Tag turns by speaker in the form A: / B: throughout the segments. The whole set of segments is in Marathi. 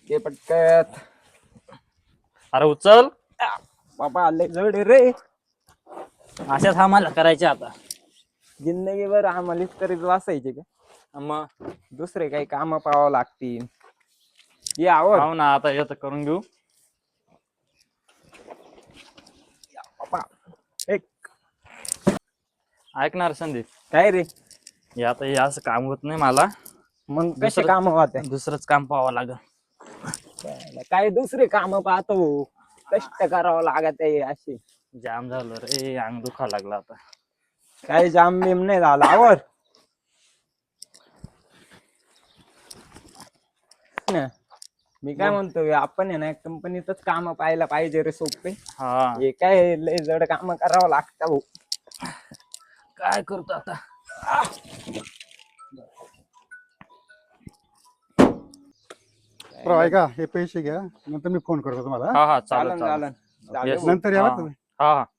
A: ते पटकत.
B: अरे उचल.
A: बाबा आले जड रे.
B: अशाच आम्हाला करायचे आता.
A: जिंदगीभर आम्हालाच करीत वाचायचे का?
B: मग
A: दुसरे काही काम पाहावं लागतील. ये आवर
B: पाहू ना आता येतं करून घेऊ.
A: बाबा. एक
B: ऐकणार संदीप,
A: काय रे?
B: हे आता हे असं काम होत नाही मला.
A: मग कसे काम होते?
B: दुसरंच काम पाहावं लागल.
A: काय दुसरे काम पाहतो, कष्ट करावं लागत आहे असे.
B: जाम झालं रे, अंग दुखा लागला आता.
A: काही जाम बिम नाही झाला. आवर ना. मी काय म्हणतो, आपण आहे ना कंपनीतच काम पाहायला पाहिजे रे सोपे.
B: हा
A: हे काय लय जड काम करावं लागतं भाऊ.
B: काय करतो आता.
C: ऐका, हे पैसे घ्या, नंतर मी फोन करतो तुम्हाला.
B: हा हा
A: चालन
B: चालेल
A: चालन.
B: Yes.
C: नंतर या
B: हा.
C: बरं तुम्ही.
B: हा हा.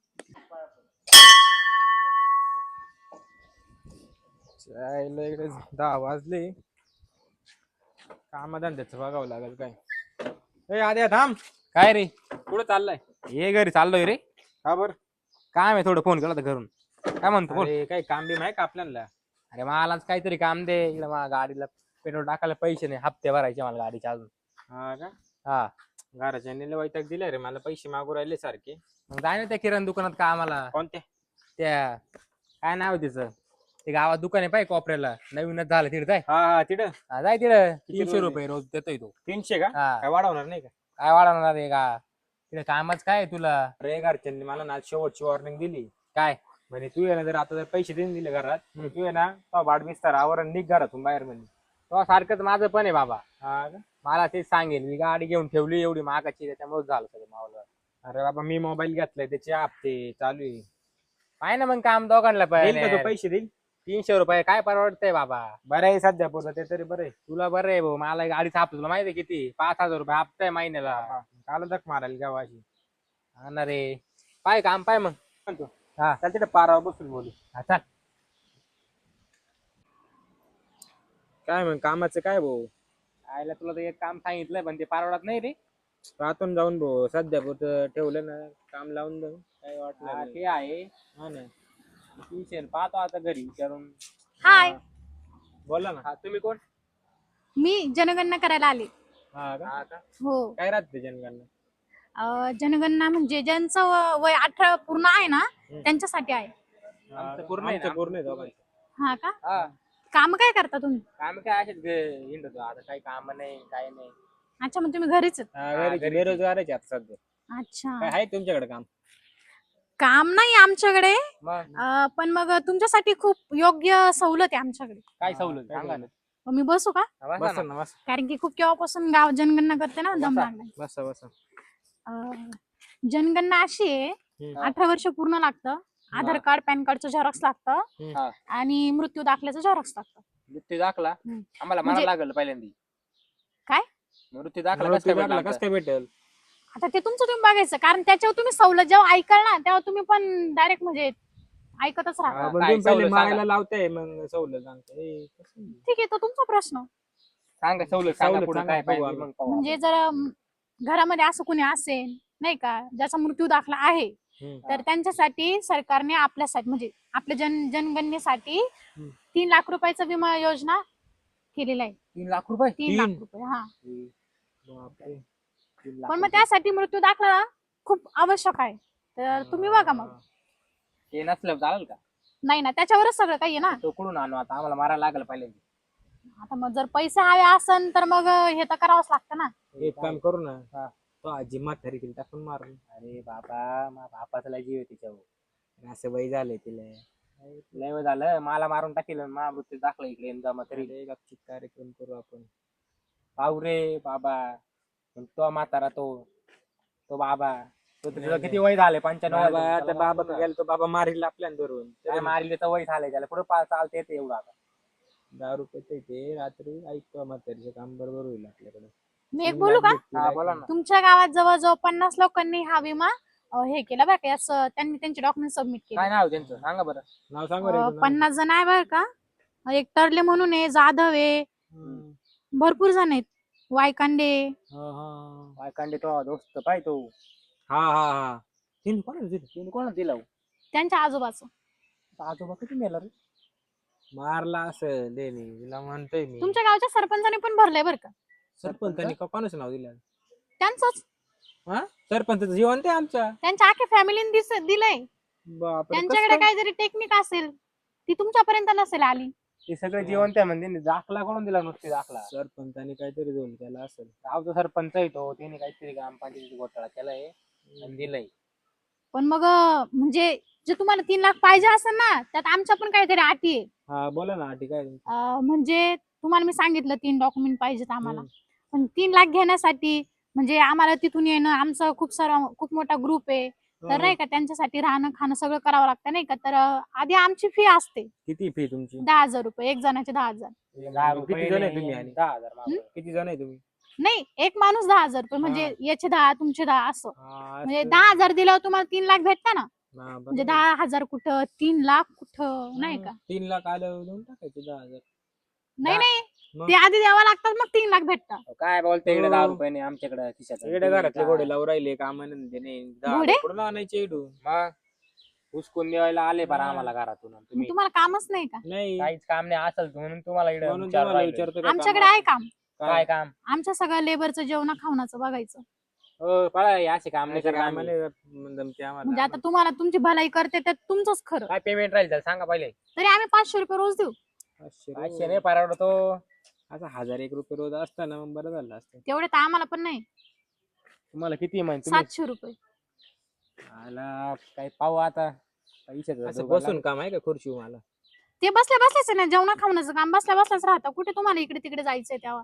A: इकडे 10 वाजले. कामधंद्याचं बघावं लागेल काय. ए आद्या थांब.
D: काय रे?
A: कुठं चाललाय?
D: हे घरी चाललोय रे.
A: का बर?
D: काम आहे, थोडं फोन केला होता घरून. काय म्हणतो बोल.
A: अरे काही काम बिम आहे का आपल्याला?
D: अरे मलाच काहीतरी काम दे. इकडे मला गाडीला पेट्रोल टाकायला पैसे नाही, हप्ते भरायचे मला गाडीचे अजून.
A: हा का?
D: हा
A: घराच्या वैताग दिलाय रे मला, पैसे मागू राहिले सारखे.
D: मग जाय ना त्या किराणा दुकानात कामाला.
A: कोणत्या?
D: त्या काय नाव आहे त्याचं, ते गावात दुकान आहे पाय कोपऱ्याला, नवीनच झालं तिथे जाय.
A: हा तिथं
D: जाय तिथं.
A: किती
D: 300
A: रोज
D: रुपये रोज देतोय तो.
A: 300 का?
D: हा.
A: काय वाढवणार नाही का?
D: काय वाढवणार आहे का तिथे? कामच काय आहे तुला?
A: अरे घरच्यांनी मला ना शेवटची वॉर्निंग दिली.
D: काय
A: म्हणे तू आहे ना, जर आता जर पैसे देऊन दिले घरात, तू आहे ना तो भाड बिस्तार आवर निघ घरातून बाहेर म्हणे.
D: तो सारखंच माझं पण आहे बाबा.
A: हा का?
D: मला तेच सांगेल, मी गाडी घेऊन ठेवली एवढी महागाची, त्याच्यामुळे झालं सगळं मावलं.
A: अरे बाबा मी मोबाईल घेतलाय, त्याचे हप्ते चालू आहे.
D: पाय ना मग काम दोघांना
A: देईल का तो
D: पण.
A: पैसे देईल?
D: 300 रुपये काय परवडतंय बाबा?
A: बरं आहे सध्या पुरतं ते तरी बरं आहे.
D: तुला बरं आहे भाऊ, मला गाडीचा हप्ता तुला माहिती आहे किती? 5,000 रुपये हप्ता आहे महिन्याला.
A: काल धक मारायला जेव्हा अशी.
D: हा ना रे. पाय काम पाय मग.
A: म्हणतो
D: हा
A: चल तिथे पारावर बसून बोलू.
D: हा, चल.
A: काय मग कामाचं काय भाऊ?
D: आयला तुला तर एक काम सांगितलंय पण ते परवडत नाही रे.
A: राहतून जाऊन भाऊ सध्या पुरतं ठेवलं ना, काम लावून जाऊ काय वाटलं
D: हा,
A: नाही.
D: ते आहे.
A: हा ना.
D: 300 पाहतो आता घरी विचारून.
E: हाय,
A: बोला ना.
D: हा, तुम्ही कोण?
E: मी जनगणना करायला आले.
A: हा का?
D: हा का?
E: हो.
A: काय राहते जनगणना?
E: जनगणना म्हणजे ज्यांचं वय 18 पूर्ण आहे ना, त्यांच्यासाठी आहे.
D: आमचं पूर्ण आहे ना,
A: आमचं पूर्ण आहे दोघांचं.
E: हा का?
D: हा.
E: काम काय करता तुम्ही?
D: काम काय असेच हिंडतो आता, काही काम नाही काय नाही.
E: अच्छा, मग तुम्ही घरीच आहेत.
A: हा, घरीच बेरोजगारच आहे आता सध्या.
E: अच्छा.
A: काय आहे तुमच्याकडे काम?
E: काम नाही आमच्याकडे,
D: मग
E: पण मग तुमच्यासाठी खूप योग्य सवलत आहे आमच्याकडे.
D: काय सवलत सांगा ना.
E: मग मी बसू का?
D: हा, बसा
A: बसा
D: ना.
A: ना बसा.
E: कारण की खूप केव्हापासून गाव जनगणना करते ना, दम लागलाय.
A: बसा बसा.
E: जनगणना अशी आहे, 18 वर्ष पूर्ण लागतं. आधार कार्ड, पॅन कार्डचं झेरॉक्स लागतं
D: हा.
E: आणि मृत्यू दाखल्याचं झेरॉक्स लागतं.
D: मृत्यू दाखला आम्हाला
E: म्हणजे-
D: लागल पहिल्यांदा.
E: काय?
D: मृत्यू दाखला
A: मृत्यू
D: कसं काय
A: दाखला
D: भेटला
A: कसं काय भेटेल?
E: आता ते तुमचं तुम्ही बघायचं, कारण त्याच्यावर तुम्ही सवलत जेव्हा ऐकाल ना, तेव्हा तुम्ही पण डायरेक्ट म्हणजे ऐकतच राहा.
A: पण
D: काय
A: तुम्ही पहिले
D: सवलत
A: मागायला
D: सांगा.
A: लावताय मग सवलत सांगताय.
E: ठीक आहे, तो तुमचा प्रश्न.
D: सांगा सवलत सांगा
A: सवलत
D: पुढे
A: सांगा,
D: काय
A: बघू
D: पाहिजे
A: आम्ही.
D: मग पाहू
E: म्हणजे जर घरामध्ये असं कोणी असेल नाही का, ज्याचा मृत्यू दाखला आहे, तर त्यांच्यासाठी सरकारने आपल्यासाठी म्हणजे आपल्या जनगणनेसाठी 3 लाख रुपयाचा विमा योजना केलेला आहे.
D: 3 लाख रुपये.
E: 3 लाख रुपये. हा,
A: बापरे.
D: 3 लाख
E: पण मग त्यासाठी मृत्यू दाखला खूप आवश्यक आहे. तर तुम्ही बघा मग.
D: ते नसलं चालेल का?
E: नाही ना, त्याच्यावरच सगळं काही आहे ना.
D: तो कुठून आणू आता, आम्हाला मारायला लागलं पहिल्यांदा.
E: आता मग जर पैसे हवे असन तर मग हे तर करावंच लागतं ना.
A: एक काम करू ना, तो आजी म्हातारी तिला टाकून मारून.
D: अरे बाबा, मा बापाचा लय जीव आहे तिच्यावर.
A: असं वय झालंय तिला.
D: लय वेळ झालं, मला मारून टाकेल. मा मृत्यू दाखला इकडे येऊन जमा तरी
A: अरे गपचित कार्यक्रम करू आपण.
D: पाहू रे बाबा. पण तो म्हातारा तो बाबा, तो तुझं किती वय झालंय? 95.
A: बाबा आता बाबा गेला तो बाबा मारील आपल्याला धरून.
D: काय मारले तर वय झालंय त्याला, पुढे चालते येते एवढं आता.
A: 10 रुपये ते रात्री ऐकतो म्हातारीचं काम बरोबर होईल आपल्याकडे.
E: मी एक बोलू का?
D: हा बोला ना.
E: तुमच्या गावात जवळजवळ 50 लोकांनी हा विमा हे केला बरं का. याचं त्यांनी त्यांचे डॉक्युमेंट सबमिट केले.
D: काय नाव त्यांचं सांगा बरं.
A: नाव सांगा रे.
E: 50 जण आहे बरं का. एक टर्ले म्हणून आहे, जाधव आहे, भरपूर जण आहेत. वायकांडे.
D: वायकांडे तो दोस्त पाय तो.
A: हा तीन कोणाला दिलं?
D: तिने कोणाला दिला हो?
E: त्यांच्या आजोबाचं.
D: आजोबा किती मेला रे?
A: मारला असं देणे तिला म्हणतोय मी.
E: तुमच्या गावच्या सरपंचाने पण भरलंय बरं का.
A: सरपंचानी कोणाचं नाव दिलं?
E: त्यांचंच.
A: सरपंच जिवंत आहे आमचा.
E: त्यांच्या अख्ख्या फॅमिलीने दिलंय.
A: बापरे,
E: त्यांच्याकडे
A: कसं काय?
E: काहीतरी टेक्निक असेल ती तुमच्यापर्यंत नसेल आली.
D: ते सगळे जिवंत आहे म्हणजे दाखला कोण दिला नुसते दाखला.
A: सरपंचानी काहीतरी दोन केला असेल.
D: गावचा सरपंच आहे तो, त्याने काहीतरी ग्रामपंचायतीचा घोटाळा केलाय आणि दिलंय.
E: पण मग म्हणजे जे तुम्हाला 3 लाख पाहिजे असेल ना त्यात आमच्या पण काहीतरी अटी आहे.
A: हा बोला ना ठीक आहे.
E: म्हणजे तुम्हाला मी सांगितलं 3 डॉक्युमेंट पाहिजेत आम्हाला. पण 3 लाख घेण्यासाठी म्हणजे आम्हाला तिथून येणं आमचा खूप मोठा ग्रुप आहे. तर नाही का त्यांच्यासाठी राहणं खाणं सगळं करावं लागतं नाही का. तर आधी आमची फी असते
A: किती फी तुमची?
E: 10,000 रुपये. एक जणाचे 10,000.
D: 10 रुपये
A: किती जण आहे
D: नाही,
A: तुम्ही आणि?
D: 10,000 मागं.
A: किती जण आहे तुम्ही?
E: नाही एक माणूस 10,000 रुपये म्हणजे याचे 10 तुमचे 10 असं.
A: हा,
E: म्हणजे
A: असं.
E: 10,000 दिल्यावर तुम्हाला 3 लाख भेटता ना.
A: हा, बरोबर.
E: म्हणजे 10,000 कुठं 3 लाख कुठं नाही का.
A: 3 लाख आल्यावर देऊन टाकायचे 10,000.
E: नाही
A: मग?
E: ते आधी द्यावं लागतात मग 3 लाख भेटतात.
D: काय बोलते इकडे 10 रुपये नाही आमच्याकडे खिशात.
A: इकडे घरातले घोडे लावून राहिले कामानंदे नाही.
E: घोडे?
A: कुठून आणायचे इडून?
D: मग हुसकून देवायला आले बरं आम्हाला घरातून.
E: मग
D: तुम्ही
E: तुम्हाला कामच नाही का.
A: नाही
D: काहीच काम नाही असेल म्हणून तुम्हाला इकडे
A: म्हणून
D: विचारू
A: तुम्हाला
D: राहिलोय.
A: विचारतो का
E: आमच्याकडे
A: कामाला?
E: आहे काम.
D: काय काम?
E: आमच्या सगळ्या लेबरचं जेवण खावणाचं बघायचं.
D: हो पळा हे असे काम नाही
A: आमच्या
D: करत आम्ही.
A: कामाला जमते आम्हाला.
E: म्हणजे आता तुम्हाला तुमची भलाई करते तर तुमचंच खरं.
D: काय पेमेंट राहील त्याला सांगा पहिले.
E: तरी आम्ही 500 रुपये रोज देऊ.
A: 500
D: नाही परवडतो.
A: आता 1,001 रुपये रोज असताना मग बरं झालं असतं.
E: तेवढे तर आम्हाला पण नाही.
D: तुम्हाला किती माहिती तुम्ही
E: 700 रुपये.
D: आला काय पाहू आता
A: असं बसून काम आहे का खुर्ची मला?
E: ते बसल्या बसल्याच ना जेवण खावण्याचं काम बसल्या बसल्याच राहतं. कुठे तुम्हाला इकडे तिकडे जायचंय तेव्हा.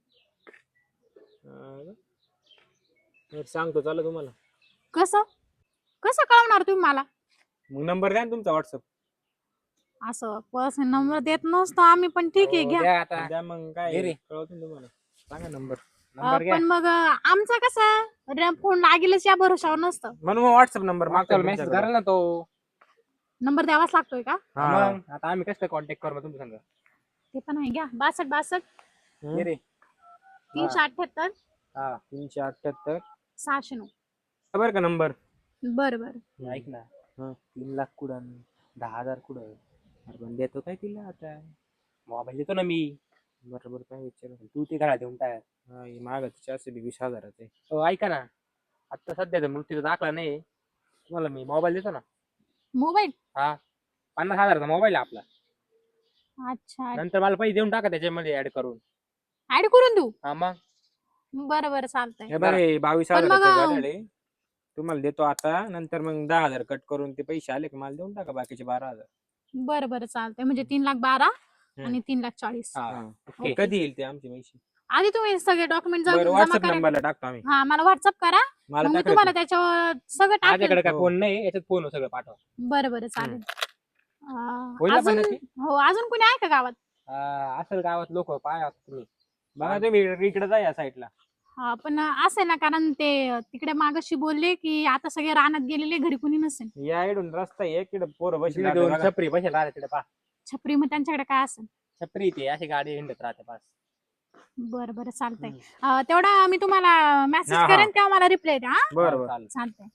A: सांगतो चालू तुम्हाला.
E: कसं कसं कळवणार तुम्ही मला.
A: मग नंबर द्या ना तुमचा व्हॉट्सअप.
E: असं पर्सनल नंबर देत नसतो आम्ही पण ठीक आहे घ्या.
D: द्या आता
A: द्या मग काय
D: घे रे.
A: कळवतो ना तुम्हाला. सांगा नंबर.
D: नंबर घ्या.
E: पण मग आमचं कसं फोन लागेलच या भरोशावर नसतं.
A: म्हणून मग व्हॉट्सअप नंबर
D: मागच्या मेसेज करा ना तो.
E: नंबर द्यावाच लागतोय का.
D: मग आता आम्ही कसं कॉन्टॅक्ट करू मग तुमच्या संग.
E: ते पण आहे घ्या. 62
D: घे रे.
E: 378
D: हा
A: 378
E: 609.
A: बरं का नंबर.
E: बरं बरं.
D: ऐक ना 3 लाख कुठं 10,000 कुठं.
A: अरे पण देतो काय तिला आता.
D: मोबाईल देतो ना मी.
A: बरोबर काय विचार.
D: तू ते घरात देऊन टाक.
A: माग 420,000 आहे.
D: हो ऐका ना आता सध्याचा मृत्यूचा दाखला नाही तुम्हाला मी मोबाईल देतो ना.
E: मोबाईल.
D: हा 50,000चा मोबाईल आहे आपला.
E: अच्छा
D: नंतर मला पैसे देऊन टाका त्याच्यामध्ये ऍड करून.
E: ऍड करून देऊ.
D: हा मग
E: बरं बरं चालतंय.
A: हे बरे
E: पण
A: 22,000
E: मग-
A: तुम्हाला देतो आता. नंतर मग 10,000 कट करून ते पैसे आले की मला देऊन टाका बाकीचे 12,000.
E: बरं बरं चालतंय म्हणजे 3,12,000 आणि 3,40,000.
D: हा
A: ओके. कधी येईल ते आमचे पैसे?
E: आधी तुम्ही सगळे डॉक्युमेंट
A: बरं
E: जमा
A: व्हॉट्सअप
E: करा.
A: नंबरला टाकतो आम्ही.
E: हा मला व्हॉट्सअप करा.
A: मला
E: मग मी
A: टाका
E: तुम्हाला
A: ते.
E: त्याच्यावर सगळं टाकेल.
D: माझ्याकडे काय
A: हो.
D: फोन नाही याच्यात फोन सगळं पाठवा.
E: बरं बरं चालेल.
D: होईल ना पण
E: अजून
D: नक्की?
E: हो अजून कोणी आहे का गावात.
D: असेल गावात लोक पाया तुम्ही.
A: बघा तुम्ही इकडे जा या साईडला.
E: हा पण असेल ना कारण ते तिकडे मागाशी बोलले की आता सगळे रानात गेलेले घरी कोणी नसेल.
A: या इकडून रस्ता आहे इकडे पोरं बसले
D: तिकडे दोन छपरी बसेल राहते तिकडे पा.
E: छपरी मग त्यांच्याकडे काय असेल.
D: छपरी ते अशी गाडी हिंडत राहते पास.
E: बरं बरं चालतंय. तेवढा मी तुम्हाला मेसेज
A: हा, हा.
E: करेन तेव्हा मला रिप्लाय द्या. हा?
A: बरोबर.
D: चालेल.
E: चालतंय.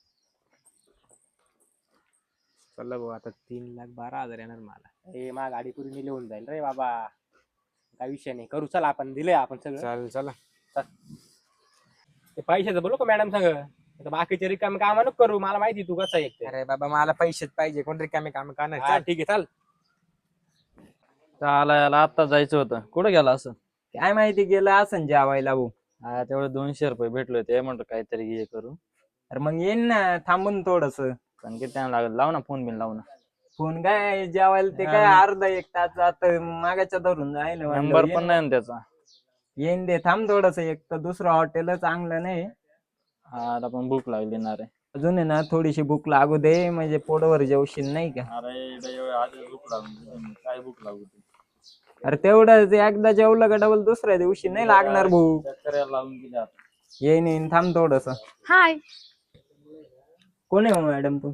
A: चला भाऊ आता 3,12,000 येणार मला.
D: ए मा गाडी पुरी लिहून जाईल रे बाबा. काय विषय नाही करू चला आपण दिले आपण सगळं.
A: चालेल चला.
D: ते पैशाचं बोलू का मॅडम सांग. आता बाकीचे रिकामे काम नको करू मला माहिती तू कसं आहे.
A: अरे बाबा मला पैसेच पाहिजे. कोण रिकामे काम करणार.
D: हा ठीक आहे चाल.
B: चालायला आता जायचं होतं. कुठं गेला असं.
A: काय माहिती गेलं असं जेवायला भाऊ.
B: हा तेवढे 200 रुपये भेटले होते म्हणतो काहीतरी हे करू.
A: अरे मग येईन ना थांबून थोडस.
B: पण किती टाइम लागेल. लाव ना फोन बिन लाव ना.
A: फोन काय जेवायला ते काय अर्धा 1 तास आता मागाच्या धरून जाईल.
B: नंबर पण नाही ना त्याचा.
A: येईन दे थांब थोडस. एक तर दुसरं हॉटेल चांगलं नाही.
B: हा आता पण भूक लागली ना रे.
A: अजून आहे ना थोडीशी भूक लागू दे म्हणजे पोटवर जेवशील नाही का.
B: अरे आधी भूक लागली. काय भूक लागू दे.
A: अरे तेवढं एकदा जेवलं का डबल दुसऱ्या दिवशी नाही लागणार भूक.
B: शेतकऱ्याला लावून गेले आता.
A: येईन थांब थोडस.
E: हाय.
A: कोण आहे मॅडम तू?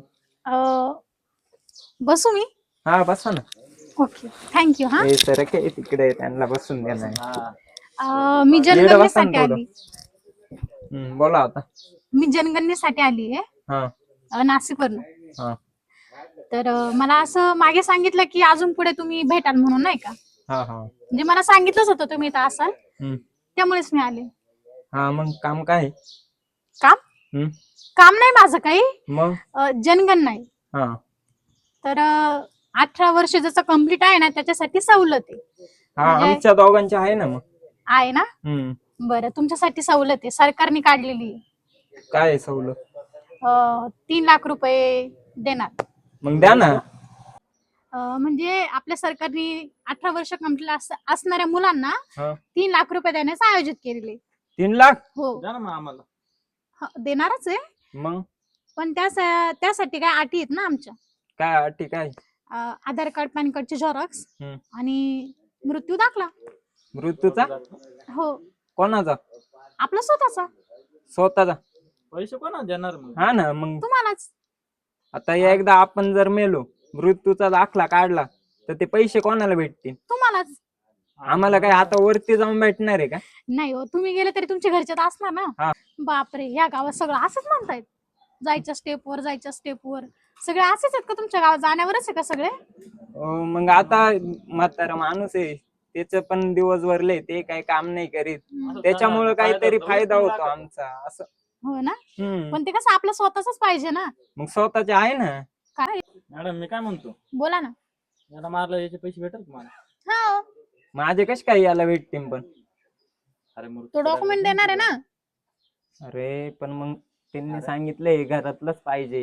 E: बसू मी.
A: हा बसा ना.
E: Okay thank you. हा
A: हे सर काय तिकडे त्यांना बसून देणार.
E: मी
A: येडं
E: जनगणनेसाठी
A: बसा ना
E: आली.
A: बोला आता.
E: मी जनगणनेसाठी आली
A: हा
E: आहे नाशिकवरून.
A: हा
E: तर मला असं मागे सांगितलं की अजून पुढे तुम्ही भेटाल म्हणून, नाही का?
A: हा हा
E: म्हणजे मला सांगितलंच होतं तुम्ही इथं असाल,
A: हम्म.
E: त्यामुळेच मी आले.
A: हा मग काम काय?
E: काम
A: हम्म.
E: काम नाही माझं काही,
A: मग
E: जनगणना आहे.
A: हा
E: तर 18 वर्ष जसं कम्प्लीट आहे ना त्याच्यासाठी सवलत आहे.
A: हा
E: म्हणजे-
A: आमच्या दोघांच्या आहे ना मग.
E: आहे ना?
A: हम्म.
E: बरं, तुमच्यासाठी सवलत आहे, सरकारने काढलेली आहे.
A: काय आहे सवलत?
E: 3 लाख रुपये देणार.
A: मग द्या ना.
E: म्हणजे आपल्या सरकारने 18 वर्ष कम्प्लीट असणाऱ्या मुलांना
A: हा.
E: 3 लाख रुपये देण्याचं आयोजित केलेले.
A: 3 लाख?
E: हो,
B: द्या ना मग आम्हाला.
E: देणारच आहे.
A: मग
E: पण त्यासाठी काय अटी आहेत ना आमच्या.
A: काय अटी काय?
E: आधार कार्ड, पॅन कार्डचे झेरॉक्स
A: हम्म.
E: आणि मृत्यू दाखला.
A: मृत्यूचा?
E: हो,
A: कोणाचा?
E: आपला स्वतःचा.
A: स्वतःचा?
B: पैसे कोणा देणार मग?
A: हा ना मग.
E: तुम्हालाच.
A: आता एकदा आपण जर मेलो, मृत्यूचा दाखला काढला तर ते पैसे कोणाला भेटतील?
E: तुम्हालाच.
A: आम्हाला काय आता वरती जाऊन भेटणार आहे का?
E: नाही हो, तुम्ही गेले तरी तुमच्या घरच्यात असणार
A: हा.
E: ना. बापरे, या गावात सगळं असंच म्हणतायत, जायच्या स्टेपवर सगळे असेच आहेत का तुमच्या गावात? जाण्यावरच आहे का सगळे?
A: मग आता म्हातारा माणूस आहे, त्याच पण दिवस भरले, ते काही काम नाही करीत, त्याच्यामुळे काहीतरी फायदा होतो आमचा असं.
E: हो ना.
A: हम्म.
E: पण ते कसं आपलं स्वतःच पाहिजे ना.
A: मग स्वतःचे आहे ना.
E: काय?
B: मॅडम मी काय म्हणतो,
E: बोला ना.
B: याला मारलं याचे पैसे भेटेल तुम्हाला?
E: हा,
A: माझे कसे काय याला भेटतील पण?
B: अरे मग
E: तो डॉक्युमेंट देणार आहे ना.
A: अरे पण मग त्यांनी सांगितलंय घरातलंच पाहिजे.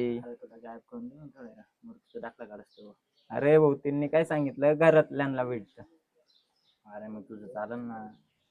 B: दाखला काढतो.
A: अरे भाऊ, त्यांनी काय सांगितलं, घरातल्यांना भेटत.
B: अरे मग तुझं चालेल ना.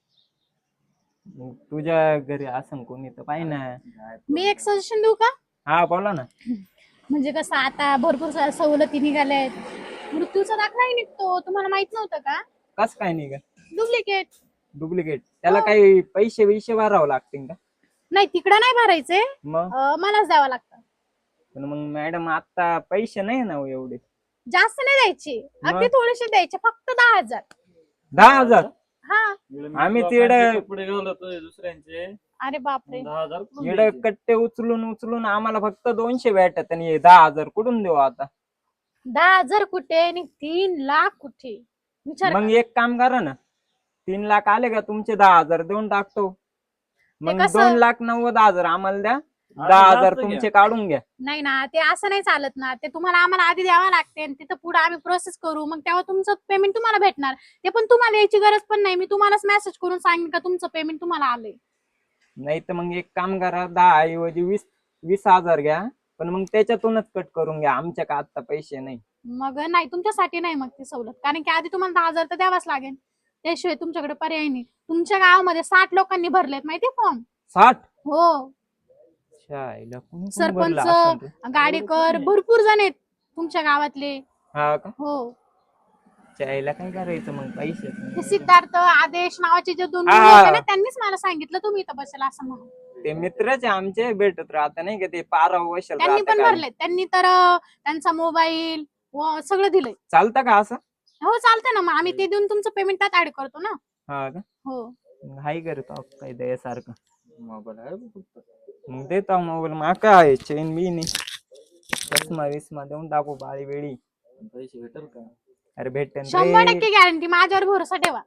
A: मग तुझ्या घरी असं कोणी तर पाहिजे ना.
E: मी एक सजेशन देऊ का?
A: हा बोला ना.
E: म्हणजे कसं आता भरपूर सवलती निघाल्या आहेत. मृत्यूचा दाखलाही निघतो, तुम्हाला माहित नव्हतं का?
A: कस काय नाही का?
E: डुप्लिकेट.
A: डुप्लिकेट त्याला काही पैसे भरावं लागतील का?
E: नाही, तिकडं नाही भरायचे,
A: मग
E: मलाच द्यावं लागतं.
A: पण मग मॅडम आता पैसे नाही ना हो एवढे.
E: जास्त नाही द्यायचे, अगदी थोडेसे द्यायचे, फक्त 10,000.
A: 10,000?
E: हा.
A: आम्ही तिकडे
B: पुढे गेलो दुसऱ्यांचे
E: अरे बापरे.
B: 10,000 कुठून
A: इकडे
B: द्यायचे?
A: कट्टे उचलून आम्हाला फक्त 200 भेटत आणि 10,000 कुठून देऊ आता?
E: 10,000 कुठे आणि 3 लाख कुठे? विचार
A: मग
E: करा.
A: एक काम करा ना, 3 लाख आले का तुमचे 10,000 देऊन टाकतो. मग
E: कसं?
A: 2,90,000 आम्हाला द्या,
B: अरे
A: 10,000
B: जास्त
A: तुमचे
B: घ्या.
A: काढून घ्या.
E: नाही ना, ते असं नाही चालत ना. ते तुम्हाला आम्हाला आधी द्यावं लागते आणि तिथं पुढे आम्ही प्रोसेस करू, मग तेव्हा तुमचं पेमेंट तुम्हाला भेटणार. ते पण तुम्हाला यायची गरज पण नाही, मी तुम्हालाच मेसेज करून सांगेन का तुमचं पेमेंट तुम्हाला आलंय.
A: नाही तर मग एक काम करा, 10 ऐवजी 20,000 घ्या, पण मग त्याच्यातूनच कट करून घ्या, आमच्या का आता पैसे नाही.
E: मग नाही, तुमच्यासाठी नाही मग ती सवलत, कारण की आधी तुम्हाला 10,000 तर द्यावाच लागेल, त्याशिवाय तुमच्याकडे पर्याय नाही. तुमच्या गावामध्ये 60 लोकांनी भरलेत माहितीये फॉर्म.
A: 60?
E: हो,
A: शाळेला कोणी कोणी
E: सरपंच,
A: भरलं असेल ते?
E: गाडेकर, भरपूर जण आहेत तुमच्या गावातले.
A: हा का?
E: हो,
A: शाळेला काय करायचं मग पैसे?
E: ते सिद्धार्थ, आदेश नावाचे जे 2
A: हा.
E: मुलं होते ना, त्यांनीच मला सांगितलं तुम्ही इथं बसेल असं म्हणून.
A: ते मित्रच आहे आमचे, भेटत राहता नाही का, ते पाराव वशल
E: त्यांनी पण
A: राहतं काय.
E: भरलेत, त्यांनी तर त्यांचा मोबाईल सगळं दिलंय.
A: चालतं का असं?
E: हो चालतंय ना, मग आम्ही ते देऊन तुमचं पेमेंट त्यात ऍड करतो ना.
A: हा का?
E: हो,
A: हाय करतो काय द्यासारखं.
B: मोबाईल आहे बघ फक्त.
A: मग देतो मोबाईल, मा काय चेन बी नाही, चष्मा विस्मा देऊन टाकू बाळी वेळी.
B: पण पैसे भेटेल का?
A: अरे भेटेन
E: 100%
A: रे,
E: गॅरंटी, माझ्यावर भरोसा ठेवा.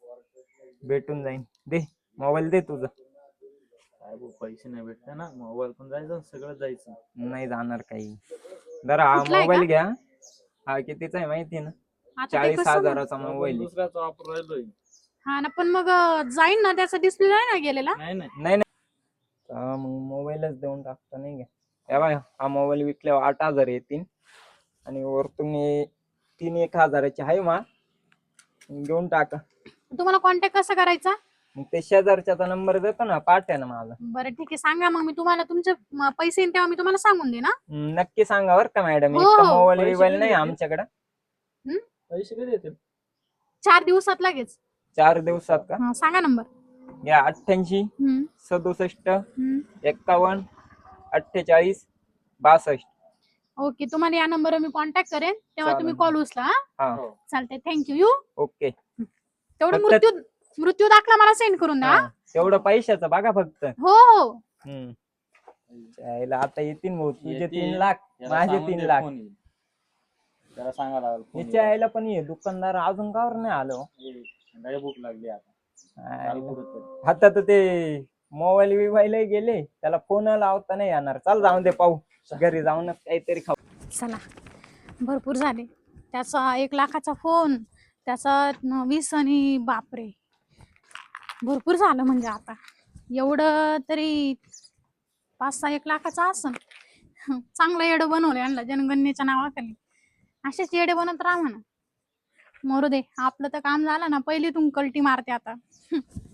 A: भेटून जाईन. दे मोबाईल, दे तुझं.
B: काय भाऊ, पैसे नाही भेटते ना, मोबाईल पण जायचं सगळं जायचं.
A: नाही जाणार काही. जरा हा
E: कुठला आहे
A: मोबाईल
E: का?
A: घ्या. हा कितीचा आहे माहिती ना?
E: आता ते
A: 40,000चा
B: आपण
A: मोबाईल आहे.
B: दुसऱ्याचा वापर राहिलोय.
E: हा ना, पण मग जाईन ना, त्याचा डिस्प्ले नाही ना गेलेला.
B: नाही नाही
A: नाही नाही, मग मोबाईलच देऊन टाकतो नाही का. हे बघ, हा मोबाईल विकल्यावर 8,000 येतील आणि वरतून 3,000-1,000ची आहे मा, घेऊन टाका.
E: तुम्हाला कॉन्टॅक्ट कसा करायचा?
A: मग ते शेजारच्याचा नंबर देतो ना, पाठ्या ना मला.
E: बरं ठीक आहे, सांगा मग मी तुम्हाला तुमचे पैसे येईन तेव्हा मी तुम्हाला सांगून देईन.
A: नक्की सांगा बरं का मॅडम,
E: हो,
A: एक
E: हो.
A: मोबाईल
B: पैसे
A: बिबाईल
B: कधी
A: नाही
B: येतील?
A: आमच्याकडे.
B: पैसे कधी येतील?
E: 4 दिवसात लगेच.
A: 4 दिवसात का?
E: हा, सांगा नंबर.
A: या 88
E: हम्म,
A: 67
E: हम्म.
A: 51 48 62.
E: ओके, तुम्हाला या नंबरवर मी कॉन्टॅक्ट करेन, तेव्हा तुम्ही
A: चालेल.
E: कॉल उचला. हा,
A: हा
E: चालतंय, थँक्यू. You
A: okay.
E: तेवढं
A: फक्त-
E: मृत्यू मृत्यू दाखला मला सेंड करून द्या.
A: हा, तेवढं पैशाचं बघा फक्त.
E: हो हो.
A: हम्म. यायला आता येतील भाऊ तुझे
B: येतील.
A: 3 लाख
B: याला
A: माझे
B: सांगून
A: 3
B: दे
A: लाख.
B: phone येईल. त्याला सांगा लागेल phone
A: हिच्या
B: येईल.
A: यायला पण ये दुकानदार अजून कावर नाही आलो.
B: लय भूक लागली आता. चाल कुठंतरी.
A: आता तर ते मोबाईल बिबाईल गेले त्याला फोन लावता नाही येणार. चाल जाऊन दे पाहू घरी जाऊनच काहीतरी खाऊ.
E: चला भरपूर झाले. त्याचा 1 लाखाचा फोन, त्याचा 20 आणि बापरे भरपूर झालं. म्हणजे आता एवढं तरी 5-6 1 लाखाचा असन. चांगलं येडं बनवलं यांना जनगणनेच्या नावाखाली. असेच येडे बनत राहा म्हणा. मरू दे, आपलं तर काम झालं ना. पहिली तुम कल्टी मारते आता.